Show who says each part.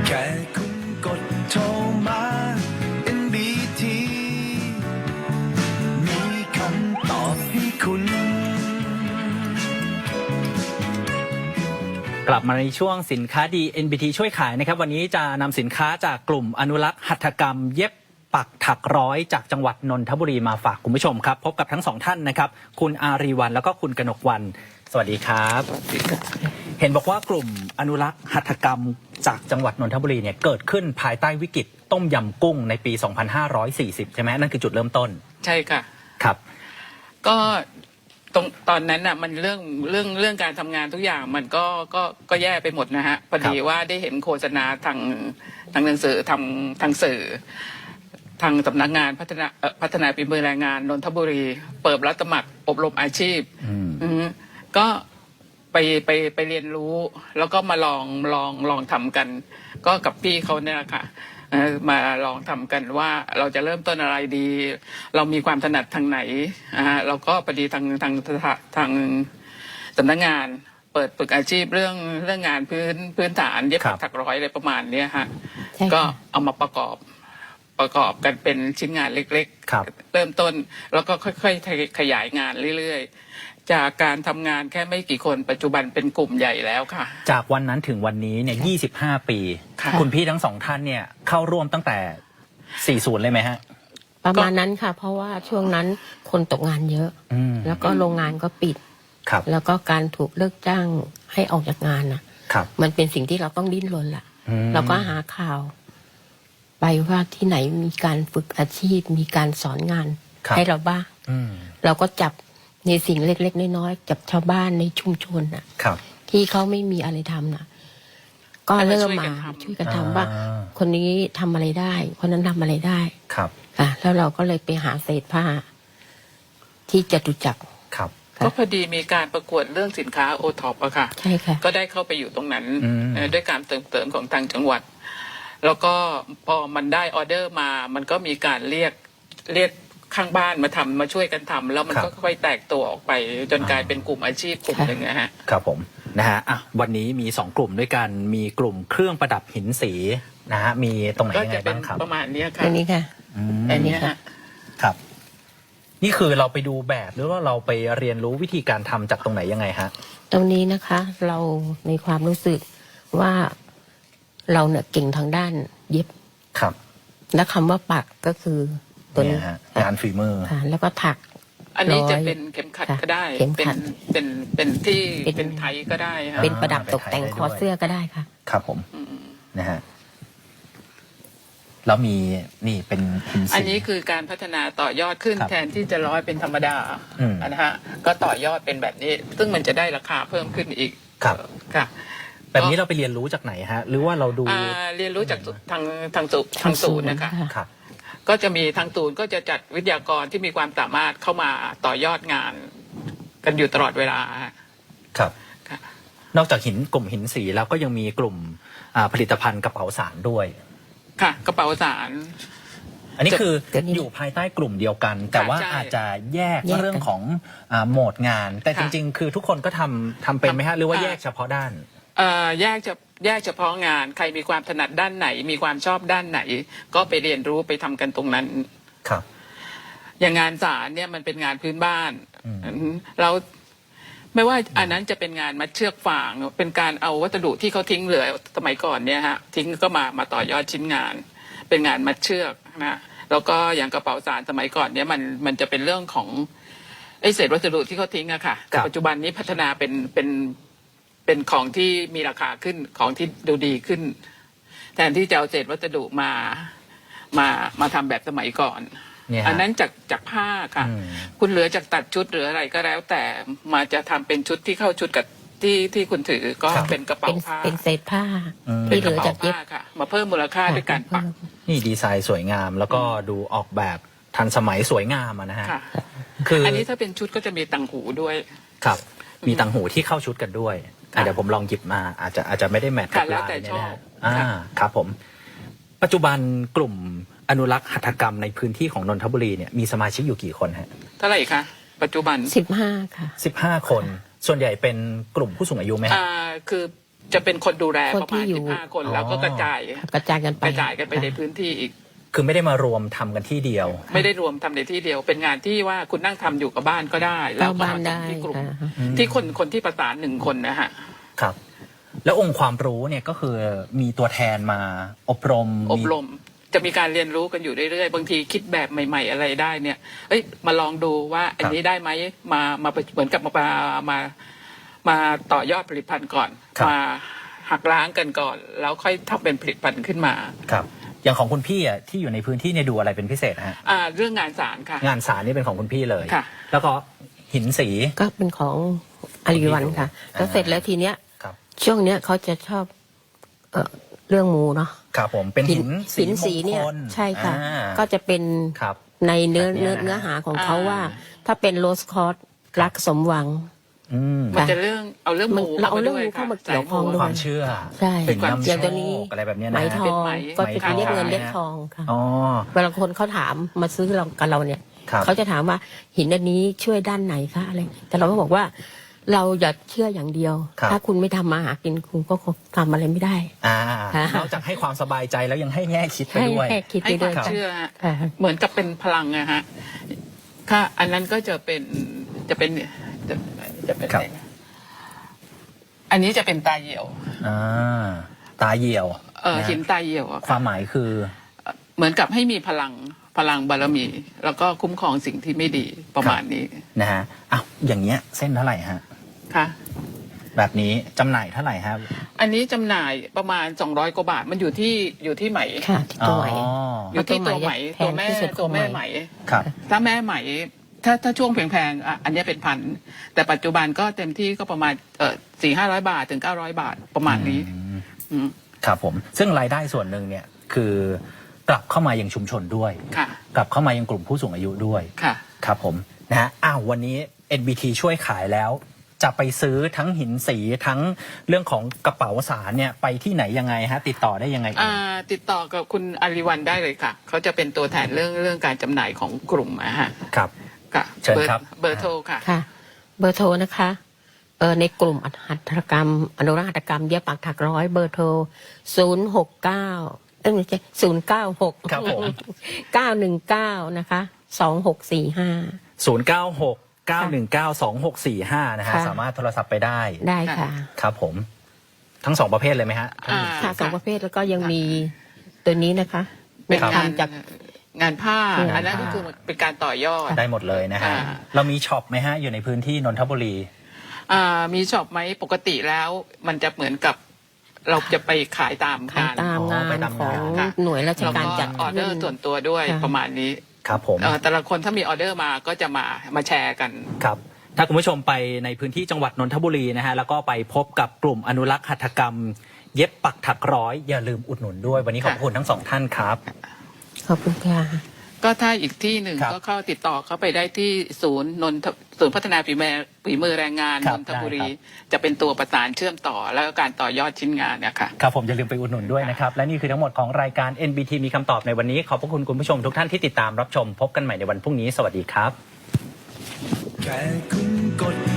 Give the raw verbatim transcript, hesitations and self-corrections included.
Speaker 1: แค่คุณกดโทรมา เอ็น บี ที มีคำตอบให้คุณ
Speaker 2: กลับมาในช่วงสินค้าดี เอ็น บี ที ช่วยขายนะครับวันนี้จะนำสินค้าจากกลุ่มอนุรักษ์หัตถกรรมเย็บปักถักร้อยจากจังหวัดนนทบุรีมาฝากคุณผู้ชมครับพบกับทั้งสองท่านนะครับคุณอารีวรรณแล้วก็คุณกนกวรรณสวัสดีครับเห็นบอกว่ากลุ่มอนุรักษ์หัตถกรรมจากจังหวัดนนทบุรีเนี่ยเกิดขึ้นภายใต้วิกฤตต้มยำกุ้งในปี สองพันห้าร้อยสี่สิบ ใช่ไหมนั่นคือจุดเริ่มต้น
Speaker 3: ใช่ค่ะ
Speaker 2: ครับ
Speaker 3: ก็ตรงตอนนั้นน่ะมันเรื่องเรื่องเรื่องการทำงานทุกอย่างมันก็ก็ก็แย่ไปหมดนะฮะพอดีว่าได้เห็นโฆษณาทางทางหนังสือทางทางสื่อทางสำนักงานพัฒนาพัฒนาฝีมือแรงงานนนทบุรีเปิดรับสมัครอบรมอาชีพอืมก็ไปไปไปเรียนรู้แล้วก็มาลองลองลองทำกันก็กับพี่เขาเนี่ยแหละค่ะมาลองทำกันว่าเราจะเริ่มต้นอะไรดีเรามีความถนัดทางไหนอ่าเราก็พอดีทางทางทางสำนักงานเปิดฝึกอาชีพเรื่องเรื่องงานพื้นพื้นฐานเย็บปักถักร้อยอะไรประมาณนี้ฮะก็เอามาประกอบประกอบกันเป็นชิ้นงานเล็กๆเริ่มต้นแล้วก็ค่อยๆขยายงานเรื่อยๆจากการทำงานแค่ไม่กี่คนปัจจุบันเป็นกลุ่มใหญ่แล้วค่ะ
Speaker 2: จากวันนั้นถึงวันนี้เนี่ยยี่สิบห้าปีคุณพี่ทั้งสองท่านเนี่ยเข้าร่วมตั้งแต่สี่สิบเลยไหมฮะ
Speaker 4: ประมาณนั้นค่ะเพราะว่าช่วงนั้นคนตกงานเยอะแล้วก็โรงงานก็ปิดแล้วก็การถูกเลิกจ้างให้ออกจากงานนะมันเป็นสิ่งที่เราต้องดิ้นรนล่ะเราก็หาข่าวไปว่าที่ไหนมีการฝึกอาชีพมีการสอนงานให้เราบ้างเราก็จับในสิ่งเล็กๆน้อยๆจับชาวบ้านในชุมชนน่ะที่เขาไม่มีอะไรทำน่ะก็เริ่มมาช่วยกันทำว่าคนนี้ทำอะไรได้คนนั้นทำอะไรได้
Speaker 2: ครับ
Speaker 4: ค่ะแล้วเราก็เลยไปหาเศษผ้าที่จตุจักร
Speaker 2: ครับ
Speaker 3: ก็พอดีมีการประกวดเรื่องสินค้าโอท็อปอะค่ะ
Speaker 4: ใช่ค่ะ
Speaker 3: ก็ได้เข้าไปอยู่ตรงนั้นด้วยการเติมเติมของทางจังหวัดแล้วก็พอมันได้ออเดอร์มามันก็มีการเรียกเรียกข้างบ้านมาทำมาช่วยกันทำแล้วมันก็ค่อยแตกตัวออกไปจนกลายเป็นกลุ่มอาชีพกลุ่มหนึ่งนะฮะ
Speaker 2: ครับผมนะฮะอ่ะวันนี้มีสองกลุ่มด้วยกันมีกลุ่มเครื่องประดับหินสีนะฮะมีตรงไหนยังไงบ้างครับ
Speaker 3: ประมาณนี้ค่ะ
Speaker 4: อันนี้ค่ะ
Speaker 3: อันนี้ค่ะ
Speaker 2: ครับนี่คือเราไปดูแบบหรือว่าเราไปเรียนรู้วิธีการทำจากตรงไหนยังไงฮะ
Speaker 4: ตรงนี้นะคะเราในความรู้สึกว่าเราเนี่ยเก่งทางด้านเย็บ
Speaker 2: ครับ
Speaker 4: และคำว่าปักก็คือตัวนี้
Speaker 2: งานฝีมือ
Speaker 4: แล้วก็ถัก
Speaker 3: อันนี้จะเป็นเข็มขัดก็ได้เป็นเป็นเป็นที่เป็นไทยก็ได้
Speaker 4: เป็นประดับตกแต่งคอเสื้อก็ได้ค่ะ
Speaker 2: ครับผมนะฮะแล้วมีนี่เป็น
Speaker 3: อันนี้คือการพัฒนาต่อยอดขึ้นแทนที่จะร้อยเป็นธรรมดานะฮะก็ต่อยอดเป็นแบบนี้ซึ่งมันจะได้ราคาเพิ่มขึ้นอีก
Speaker 2: ครับ
Speaker 3: ค่ะ
Speaker 2: แบบนี้เราไปเรียนรู้จากไหนฮะหรือว่าเราดู
Speaker 3: เรียนรู้จากทางทางสูทางศูนย์นะคะ
Speaker 2: ครับ
Speaker 3: ก็จะมีทางศูนย์ก็จะจัดวิทยากรที่มีความสามารถเข้ามาต่อยอดงานกันอยู่ตลอดเวลา
Speaker 2: ครับนอกจากหินกลุ่มหินสีแล้วก็ยังมีกลุ่มผลิตภัณฑ์กระเป๋าสารด้วย
Speaker 3: ค่ะกระเป๋าสาร
Speaker 2: อันนี้คืออยู่ภายใต้กลุ่มเดียวกันแต่ว่าอาจจะแยกเรื่องของโหมดงานแต่จริงๆคือทุกคนก็ทำทำเป็นไหมฮะหรือว่าแยกเฉพาะด้าน
Speaker 3: แยกจะแยกเฉพาะงานใครมีความถนัดด้านไหนมีความชอบด้านไหนก็ไปเรียนรู้ไปทำกันตรงนั้น
Speaker 2: ครับ
Speaker 3: อย่างงานสารเนี่ยมันเป็นงานพื้นบ้านเราไม่ว่าอันนั้นจะเป็นงานมัดเชือกฟางเป็นการเอาวัสดุที่เขาทิ้งเหลือสมัยก่อนเนี่ยฮะทิ้งก็มามาต่อยอดชิ้นงานเป็นงานมัดเชือกนะแล้วก็อย่างกระเป๋าสารสมัยก่อนเนี่ยมันมันจะเป็นเรื่องของไอ้เศษวัสดุที่เขาทิ้งอะค่ะแต่ปัจจุบันนี้พัฒนาเป็นเป็นเป็นของที่มีราคาขึ้นของที่ดูดีขึ้นแทนที่จะเอาเศษวัสดุมามามาทำแบบสมัยก่อนอันนั้นจากจากผ้าค่ะคุณเหลือจากตัดชุดหรืออะไรก็แล้วแต่มาจะทำเป็นชุดที่เข้าชุดกับที่ที่คุณถือก็เป็นกระเป๋าผ้า
Speaker 4: เป็นเศษผ้าที่เหลือจากเย็บ
Speaker 3: ค่ะมาเพิ่มมูลค่าด้วยการปัก
Speaker 2: นี่ดีไซน์สวยงามแล้วก็ดูออกแบบทันสมัยสวยงามนะฮะ
Speaker 3: คืออันนี้ถ้าเป็นชุดก็จะมีต่างหูด้วย
Speaker 2: ครับมีต่างหูที่เข้าชุดกันด้วยเดี๋ยวผมลองหยิบมาอาจจะอาจจะไม่ได้แมทกับลายเนี่ยนะอ่าครับผมปัจจุบันกลุ่มอนุรักษ์หัตถกรรมในพื้นที่ของนนทบุรีเนี่ยมีสมาชิกอยู่กี่คนฮะ
Speaker 3: เท่าไหร่คะปัจจุบัน
Speaker 4: สิบห้าค่ะ
Speaker 2: สิบห้าคนส่วนใหญ่เป็นกลุ่มผู้สูงอายุไหม
Speaker 3: อ่าคือจะเป็นคนดูแล
Speaker 4: คน
Speaker 3: ประ
Speaker 4: ที่
Speaker 3: มาณ
Speaker 4: อยู่
Speaker 3: สิบห้าคนแล้วก็กระจาย
Speaker 4: กระจายกันไป
Speaker 3: กระจายกันไปในพื้นที่อีก
Speaker 2: คือไม่ได้มารวมทำกันที่เดียว
Speaker 3: ไม่ได้รวมทำในที่เดียว เป็นงานที่ว่าคุณนั่งทำอยู่กับบ้านก็ได้ แล้วก็
Speaker 4: บ้าน
Speaker 3: มา
Speaker 4: ได้
Speaker 3: ทำที่กลุ่ม
Speaker 4: ค่ะ
Speaker 3: ที่คนคนที่ประสานหนึ่งคนนะฮะ
Speaker 2: ครับ แล้วองค์ความรู้เนี่ยก็คือมีตัวแทนมาอบรม
Speaker 3: อบรมจะมีการเรียนรู้กันอยู่เรื่อยๆ บางทีคิดแบบใหม่ ๆ อะไรได้เนี่ย เอ้ยมาลองดูว่าอันนี้ได้ไหมมามาเหมือนกับมามามาต่อยอดผลิตภัณฑ์ก่อน มาหักล้างกันก่อน แล้วค่อยทำเป็นผลิตภัณฑ์ขึ้นมา
Speaker 2: ครับ อย่างของคุณพี่อ่ะที่อยู่ในพื้นที่เนี่ยดูอะไรเป็นพิเศษฮะ
Speaker 3: อ่าเรื่องงานสารค่ะ
Speaker 2: งานสารนี่เป็นของคุณพี่เลย
Speaker 3: ค่ะ
Speaker 2: แล้วก็หินสี
Speaker 4: ก็เป็นของอาริวันค่ะ แล้วเสร็จแล้วทีเนี้ย
Speaker 2: ครับ
Speaker 4: ช่วงเนี้ยเขาจะชอบเอ่อเรื่องมูเนาะ
Speaker 2: ครับผมเป็นหินสี
Speaker 4: หินสีเนี่ย
Speaker 2: มงคล
Speaker 4: ใช่ค่ะ
Speaker 2: อ่า
Speaker 4: ก็จะเป็น
Speaker 2: ครับ
Speaker 4: ในเนื้อ
Speaker 2: แบบเนี้
Speaker 4: เนื้
Speaker 2: ย
Speaker 4: อ
Speaker 2: นะ
Speaker 4: เนื้อหาของเขา
Speaker 3: อ่า
Speaker 4: ว่า ถ้าเป็นโรสคอร์สรักสมหวัง
Speaker 2: อืม
Speaker 3: มันจะเรื่องเอาเรื่องหมู
Speaker 4: เราเอา
Speaker 3: ข้
Speaker 4: เรื่อง
Speaker 3: ด้วย
Speaker 4: หมู่เข้ามา
Speaker 3: ค่ะ
Speaker 4: เกี่ยวข้อง
Speaker 3: สาห
Speaker 4: ด้
Speaker 2: ความเชื่อ
Speaker 4: ใช่
Speaker 2: เป็นนำ
Speaker 4: อ
Speaker 2: โช
Speaker 4: ย่างตัวนี้
Speaker 2: คอะไรแบบเนี้ย
Speaker 4: ไหม
Speaker 2: นะ
Speaker 4: ท
Speaker 2: ฮะ
Speaker 4: อง
Speaker 3: ไหม
Speaker 4: ก็จะเป็นเรียกเงิน
Speaker 2: ไหม
Speaker 4: เรียกทองค่ะ
Speaker 2: อ๋อ
Speaker 4: เวลาคนเขาถามมาซื้อเรากับเราเนี่ย
Speaker 2: ครับ
Speaker 4: เขาจะถามว่าหินอันนี้ช่วยด้านไหนคะอะไร แต่เราก็บอกว่า เราอย่าเชื่ออย่างเดียว
Speaker 2: ครับ
Speaker 4: ถ้าคุณไม่ทำมาหากินคุณก็คงทำอะไรไม่ได้
Speaker 2: อ่า
Speaker 4: ค่ะ
Speaker 2: นอกจากให้ความสบายใจแล้วยังให้แง่คิดไป
Speaker 4: ให้
Speaker 2: ด้วย
Speaker 4: แค่คิด
Speaker 3: ให้
Speaker 4: ไป
Speaker 3: ค
Speaker 4: ด้
Speaker 3: วา
Speaker 4: วย
Speaker 3: ม
Speaker 4: ค่ะ
Speaker 3: เชื่อฮะ
Speaker 4: ค่ะ
Speaker 3: เหมือนกับเป็นพลังนะฮะค่ะอันนั้นก็จะเป็นจะเป็นจะจะเป็น
Speaker 2: ครับ
Speaker 3: อะไรนะอันนี้จะเป็นตาเหี่ยว
Speaker 2: อ่าตาเหี่ยว
Speaker 3: เออ
Speaker 2: นะ
Speaker 3: หินตาเหี่ยวอะ
Speaker 2: ค
Speaker 3: ค่ะ
Speaker 2: วามหมายคือ
Speaker 3: เหมือนกับให้มีพลังพลังบารมี แล้วก็คุ้มครองสิ่งที่ไม่ดีประมาณนี้
Speaker 2: นะฮะอ้าวอย่างเงี้ยเส้นเท่าไหร่ฮะ
Speaker 3: ค่ะ
Speaker 2: แบบนี้จำหน่ายเท่าไหร่ครับ
Speaker 3: อันนี้จำหน่ายประมาณสองร้อยกว่าบาท มันอยู่ที่อยู่ที่ไหม
Speaker 4: ค่ะที่ตัวไหว
Speaker 2: อ๋อ
Speaker 3: อยู่ที่ตัวไหม
Speaker 4: แพ
Speaker 3: ตัว
Speaker 4: ง
Speaker 3: แม่
Speaker 4: ที่สุด
Speaker 3: ตัวแม่
Speaker 4: ของ
Speaker 3: ไห
Speaker 4: ไห
Speaker 3: ม
Speaker 4: ม
Speaker 2: ครับ
Speaker 3: ถ้าแม่ไหม ถ้าถ้าช่วงแพงๆอ่ะอันนี้เป็นพัน แต่ปัจจุบันก็เต็มที่ก็ประมาณเออสี่ห้าร้อยบาทถึงเก้าร้อยบาทประมาณนี้
Speaker 2: อืม
Speaker 3: อืม
Speaker 2: ครับผม ซึ่งรายได้ส่วนหนึ่งเนี่ยคือกลับเข้ามายังชุมชนด้วย
Speaker 3: ค่ะ
Speaker 2: กลับเข้ามายังกลุ่มผู้สูงอายุด้วย
Speaker 3: ค่ะ
Speaker 2: ครับผมนะฮะอ้าววันนี้ เอ็น บี ที ช่วยขายแล้ว จะไปซื้อทั้งหินสีทั้งเรื่องของกระเป๋าสารเนี่ยไปที่ไหนยังไงฮะ ติดต่อได้ยังไงเอ่
Speaker 3: อ่าย ติดต่อกับคุณอาริวันได้เลยค่ะ เขาจะเป็นตัวแทนเรื่องเรื่องการจำหน่ายของกลุ่มอะฮะ
Speaker 2: ครับ
Speaker 3: ค่ะ
Speaker 2: เชิญครับ
Speaker 3: เบอร์โทรค่ะ
Speaker 4: ค่ะ เบอร์โทรนะคะเออในกลุ่มหัตถกรรม อนุรักษ์หัตถกรรมเย็บปักถักร้อยเบอร์โทรศูนย์หกเก้าเอ้ยไม่ใช่ศูนย์เก้าหก
Speaker 2: ครับผม
Speaker 4: เก้าหนึ่งเก้านะคะสองหกสี่ห้า
Speaker 2: ศูนย์ เก้า หก เก้า หนึ่ง เก้า สอง หก สี่ ห้านะฮะ
Speaker 4: ค่ะ
Speaker 2: สามารถโทรศัพท์ไปได้
Speaker 4: ได้ค่ะ
Speaker 2: ครับผม ทั้งสองประเภทเลยไหมฮะทั้ง
Speaker 3: อ่า
Speaker 4: ค่ะสองประเภทแล้วก็ยังมีตัวนี้นะคะ
Speaker 3: เป็น
Speaker 4: ทำ
Speaker 3: งาน
Speaker 4: จาก
Speaker 3: งานผ้า
Speaker 4: งานผ้า
Speaker 3: อันนั้นก็คือเป็นการต่อยอด
Speaker 2: ได้หมดเลยนะฮะ
Speaker 3: อ่า
Speaker 2: เรามีช็อปไหมฮะ อยู่ในพื้นที่นนทบุรี
Speaker 3: อ่ามีช็อปไหมปกติแล้ว มันจะเหมือนกับเราจะไปขายตาม
Speaker 4: ขาย
Speaker 3: งาน
Speaker 4: ตาม
Speaker 2: อ๋อง
Speaker 4: าน
Speaker 2: ไปตาม
Speaker 4: ของ
Speaker 2: งาน
Speaker 3: ค่ะ
Speaker 4: หน่วยราช
Speaker 3: แล้ว
Speaker 4: การ
Speaker 3: ก็
Speaker 4: จัด
Speaker 3: ออเดอร์ส่วนตัวด้วย
Speaker 4: ค่ะ
Speaker 3: ประมาณนี้
Speaker 2: ครับผม
Speaker 3: เอ่อแต่ละคนถ้ามีออเดอร์มาก็จะมามาแชร์กัน
Speaker 2: ครับ ถ้าคุณผู้ชมไปในพื้นที่จังหวัดนนทบุรีนะฮะ แล้วก็ไปพบกับกลุ่มอนุรักษ์หัตถกรรม เย็บปักถักร้อย อย่าลืมอุดหนุนด้วย วันนี้ขอบคุณทั้งสองท่านครับ
Speaker 4: ขอบคุณค่ะ
Speaker 3: ก็ถ้าอีกที่หนึ่ง
Speaker 2: ครับ
Speaker 3: ก็เข้าติดต่อเข้าไปได้ที่ศูนย์นนทศูนย์พัฒนาฝีมือฝีมือแรงงาน
Speaker 2: ครั
Speaker 3: น
Speaker 2: บ
Speaker 3: นทบุรี
Speaker 2: ได้ครับ
Speaker 3: จะเป็นตัวประสานเชื่อมต่อแล้วก็การต่อยอดชิ้นงานเนี่ยค่ะ
Speaker 2: ครับผมอย่าลืมไปอุดหนุนด้วยนะครับ และนี่คือทั้งหมดของรายการ เอ็น บี ที มีคำตอบในวันนี้ ขอบพระคุณคุณผู้ชมทุกท่านที่ติดตามรับชม พบกันใหม่ในวันพรุ่งนี้ สวัสดีครับ
Speaker 1: แค่คุณกด